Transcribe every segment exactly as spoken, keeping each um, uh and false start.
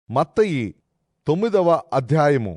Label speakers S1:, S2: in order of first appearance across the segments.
S1: మత్తయి తొమ్మిదవ అధ్యాయము.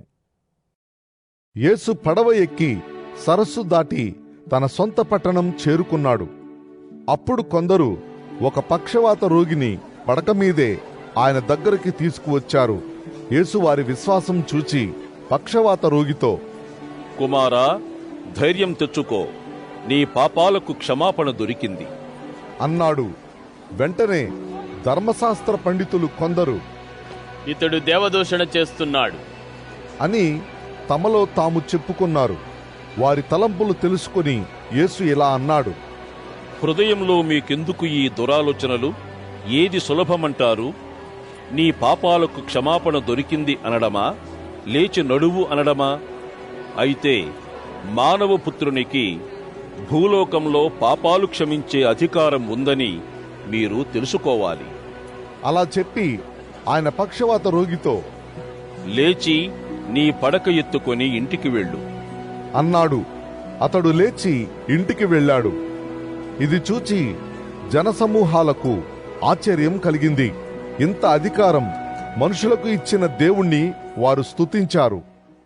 S1: యేసు పడవ ఎక్కి సరస్సు దాటి తన సొంత పట్టణం చేరుకున్నాడు. అప్పుడు కొందరు ఒక పక్షవాత రోగిని పడక మీదే ఆయన దగ్గరికి తీసుకువచ్చారు. యేసు వారి విశ్వాసం చూచి పక్షవాత రోగితో,
S2: కుమారా, ధైర్యం తెచ్చుకో, నీ పాపాలకు క్షమాపణ దొరికింది
S1: అన్నాడు. వెంటనే ధర్మశాస్త్ర పండితులు కొందరు,
S3: ఇతడు దేవదూషణ చేస్తున్నాడు
S1: అని తమలో తాము చెప్పుకున్నారు. వారి తలంపులు తెలుసుకుని యేసు ఇలా అన్నాడు,
S2: హృదయంలో మీకెందుకు ఈ దురాలోచనలు? ఏది సులభమంటారు? నీ పాపాలకు క్షమాపణ దొరికింది అనడమా, లేచి నడువు అనడమా? అయితే మానవ పుత్రునికి భూలోకంలో పాపాలు క్షమించే అధికారం ఉందని మీరు తెలుసుకోవాలి.
S1: అలా చెప్పి ఆయన పక్షవాత రోగితో,
S2: లేచి నీ పడక ఎత్తుకొని ఇంటికి వెళ్ళు
S1: అన్నాడు. అతడు లేచి ఇంటికి వెళ్ళాడు. ఇది చూచి జనసమూహాలకు ఆశ్చర్యం కలిగింది. ఇంత అధికారం మనుషులకు ఇచ్చిన దేవుణ్ణి వారు స్తుతించారు.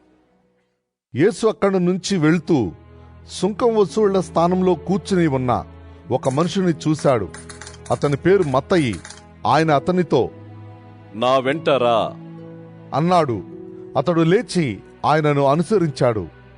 S1: యేసు అక్కడి నుంచి వెళ్తూ సుంకం వసూళ్ల స్థానంలో కూర్చుని ఉన్న ఒక మనుషుని చూశాడు. అతని పేరు మత్తయి. ఆయన అతనితో,
S2: నా వెంట రా
S1: అన్నాడు. అతడు లేచి ఆయనను అనుసరించాడు.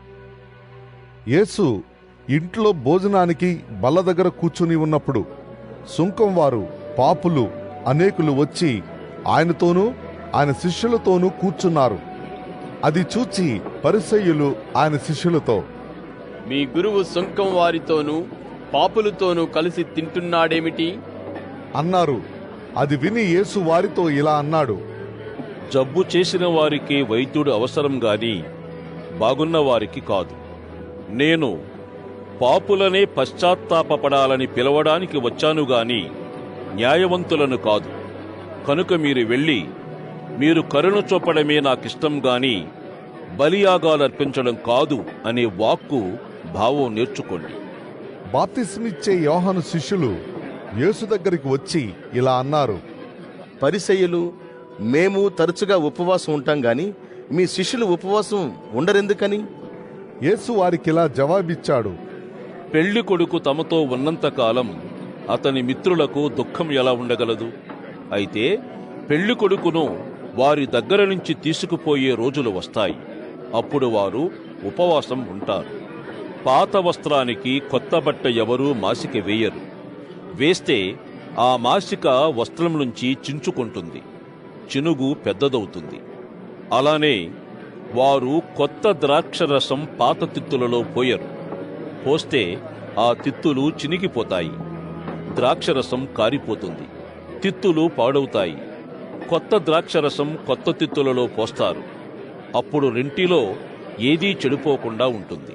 S1: యేసు ఇంట్లో భోజనానికి బల్ల దగ్గర కూర్చుని ఉన్నప్పుడు సుంకం వారు, పాపులు అనేకులు వచ్చి ఆయనతోనూ ఆయన శిష్యులతోనూ కూర్చున్నారు. అది చూచి పరిసయ్యులు ఆయన శిష్యులతో,
S3: మీ గురువు సుంకం వారితోనూ పాపులతోనూ కలిసి తింటున్నాడేమిటి
S1: అన్నారు. అది విని యేసు వారితో ఇలా అన్నాడు,
S2: జబ్బు చేసిన వారికి వైద్యుడు అవసరం గాని బాగున్న వారికి కాదు. నేను పాపులనే పశ్చాత్తాపపడాలని పిలవడానికి వచ్చాను గాని న్యాయవంతులను కాదు. కనుక మీరు వెళ్ళి మీరు కరుణ చూపడమే నాకిష్టం గాని బలియాగాలర్పించడం కాదు అనే వాక్కు భావం నేర్చుకోండి.
S1: బాప్తిస్మిచ్చే యోహాను శిష్యులు యేసు దగ్గరికి వచ్చి ఇలా అన్నారు,
S4: పరిసయ్యులు మేము తరచుగా ఉపవాసం ఉంటాం గాని మీ శిష్యులు ఉపవాసం ఉండరెందుకని?
S1: యేసు వారికిలా జవాబిచ్చాడు,
S2: పెళ్లి కొడుకు తమతో ఉన్నంతకాలం అతని మిత్రులకు దుఃఖం ఎలా ఉండగలదు? అయితే పెళ్లి కొడుకును వారి దగ్గర నుంచి తీసుకుపోయే రోజులు వస్తాయి. అప్పుడు వారు ఉపవాసం ఉంటారు. పాత వస్త్రానికి కొత్త బట్ట ఎవరూ మాసిక వేయరు. వేస్తే ఆ మాసిక వస్త్రం నుంచి చించుకుంటుంది, చినుగు పెద్దదవుతుంది. అలానే వారు కొత్త ద్రాక్షరసం పాత తిత్తులలో పోయరు. పోస్తే ఆ తిత్తులు చినిగిపోతాయి, ద్రాక్షరసం కారిపోతుంది, తిత్తులు పాడవుతాయి. కొత్త ద్రాక్షరసం కొత్త తిత్తులలో పోస్తారు. అప్పుడు రెంటిలో ఏదీ చెడిపోకుండా ఉంటుంది.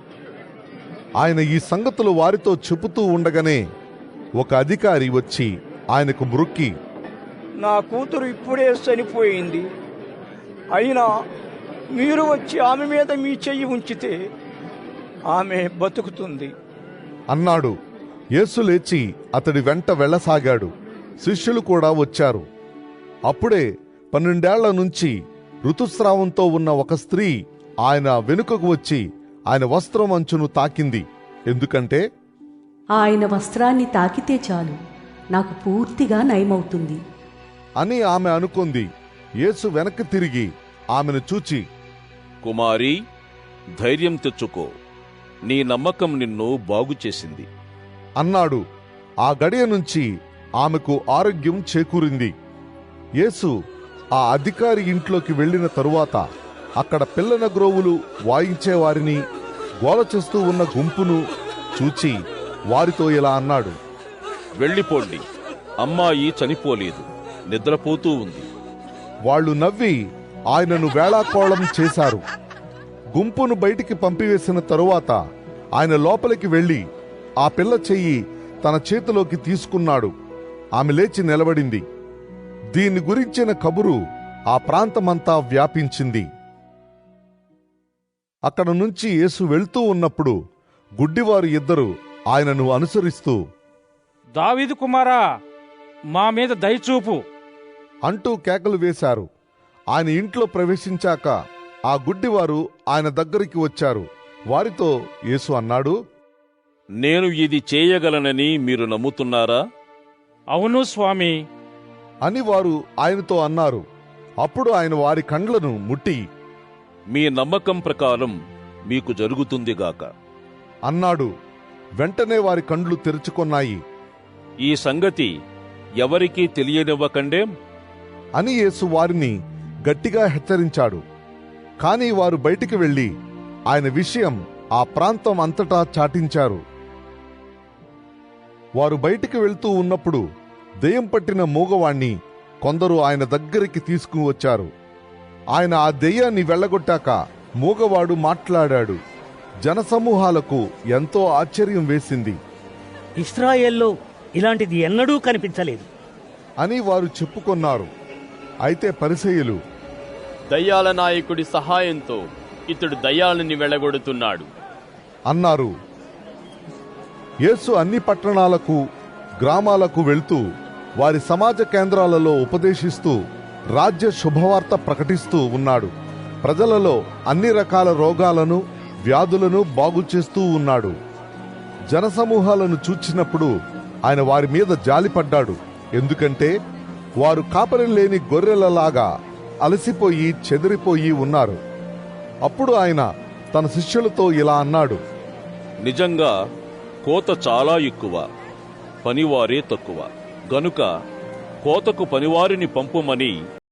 S1: ఆయన ఈ సంగతులు వారితో చెబుతూ ఉండగానే ఒక అధికారి వచ్చి ఆయనకు మ్రొక్కి,
S5: నా కూతురు ఇప్పుడే చనిపోయింది. అయినా మీరు వచ్చి ఆమె మీద మీ చెయ్యి ఉంచితే ఆమె బతుకుతుంది
S1: అన్నాడు. యేసు లేచి అతడి వెంట వెళ్ళసాగాడు. శిష్యులు కూడా వచ్చారు. అప్పుడే పన్నెండేళ్ల నుంచి ఋతుస్రావంతో ఉన్న ఒక స్త్రీ ఆయన వెనుకకు వచ్చి ఆయన వస్త్రం అంచును తాకింది. ఎందుకంటే
S6: ఆయన వస్త్రాన్ని తాకితే చాలు, నాకు పూర్తిగా నయమవుతుంది
S1: అని ఆమె అనుకుంది. యేసు వెనక్కి తిరిగి ఆమెను చూచి,
S2: కుమారీ, ధైర్యం తెచ్చుకో, నీ నమ్మకం నిన్ను బాగుచేసింది
S1: అన్నాడు. ఆ గడియ నుంచి ఆమెకు ఆరోగ్యం చేకూరింది. యేసు ఆ అధికారి ఇంట్లోకి వెళ్లిన తరువాత అక్కడ పిల్లన గ్రోవులు వాయించేవారిని, గోల చేస్తూ ఉన్న గుంపును చూచి వారితో ఇలా అన్నాడు,
S2: వెళ్ళిపోండి, అమ్మాయి చనిపోలేదు, నిద్రపోతూ ఉంది.
S1: వాళ్ళు నవ్వి ఆయనను వేళాకోళం చేశారు. గుంపును బయటికి పంపివేసిన తరువాత ఆయన లోపలికి వెళ్లి ఆ పిల్ల చెయ్యి తన చేతిలోకి తీసుకున్నాడు. ఆమె లేచి నిలబడింది. దీని గురించిన కబురు ఆ ప్రాంతమంతా వ్యాపించింది. అక్కడ నుంచి యేసు వెళ్తూ ఉన్నప్పుడు గుడ్డివారు ఇద్దరు ఆయనను అనుసరిస్తూ,
S7: దావీదు కుమారా, మా మీద దయచూపు
S1: అంటూ కేకలు వేశారు. ఆయన ఇంట్లో ప్రవేశించాక ఆ గుడ్డివారు ఆయన దగ్గరికి వచ్చారు. వారితో యేసు అన్నాడు,
S2: నేను ఇది చేయగలనని మీరు నమ్ముతున్నారా?
S7: అవును స్వామి.
S1: అని వారు ఆయనతో అన్నారు. అప్పుడు ఆయన వారి కండ్లను ముట్టి
S2: మీ నమ్మకం ప్రకారం మీకు జరుగుతుందిగాక
S1: అన్నాడు. వెంటనే వారి కండ్లు తెరుచుకొన్నాయి.
S2: ఈ సంగతి ఎవరికీ తెలియనివ్వకండేం?
S1: అని యేసు వారిని గట్టిగా హెచ్చరించాడు. కాని వారు బయటికి వెళ్లి ఆయన విషయం ఆ ప్రాంతం అంతటా చాటించారు. వారు బయటికి వెళ్తూ ఉన్నప్పుడు దెయ్యం పట్టిన మూగవాణ్ణి కొందరు ఆయన దగ్గరికి తీసుకుని వచ్చారు. ఆయన ఆ దెయ్యాన్ని వెళ్ళగొట్టాక మూగవాడు మాట్లాడాడు. జనసమూహాలకు ఎంతో ఆశ్చర్యం వేసింది
S8: ఇశ్రాయేల్లో ఇలాంటిది ఎన్నడూ కనిపించలేదు
S1: అని వారు చెప్పుకొన్నారు. అయితే పరిసయ్యులు,
S3: దయ్యాల నాయకుడి సహాయంతో ఇతడు దయ్యాలని వెళ్ళగొడుతున్నాడు
S1: అన్నారు. యేసు అన్ని పట్టణాలకు గ్రామాలకు వెళ్తూ వారి సమాజ కేంద్రాలలో ఉపదేశిస్తూ రాజ్య శుభవార్త ప్రకటిస్తూ ఉన్నాడు. ప్రజలలో అన్ని రకాల రోగాలను వ్యాధులను బాగు చేస్తూ ఉన్నాడు. జనసమూహాలను చూచినప్పుడు ఆయన వారి మీద జాలిపడ్డాడు. ఎందుకంటే వారు కాపరి లేని గొర్రెలలాగా అలసిపోయి చెదిరిపోయి ఉన్నారు. అప్పుడు ఆయన తన శిష్యులతో ఇలా అన్నాడు,
S2: నిజంగా కోత చాలా ఎక్కువ, పనివారే తక్కువ. గనుక కోతకు పనివారిని పంపుమని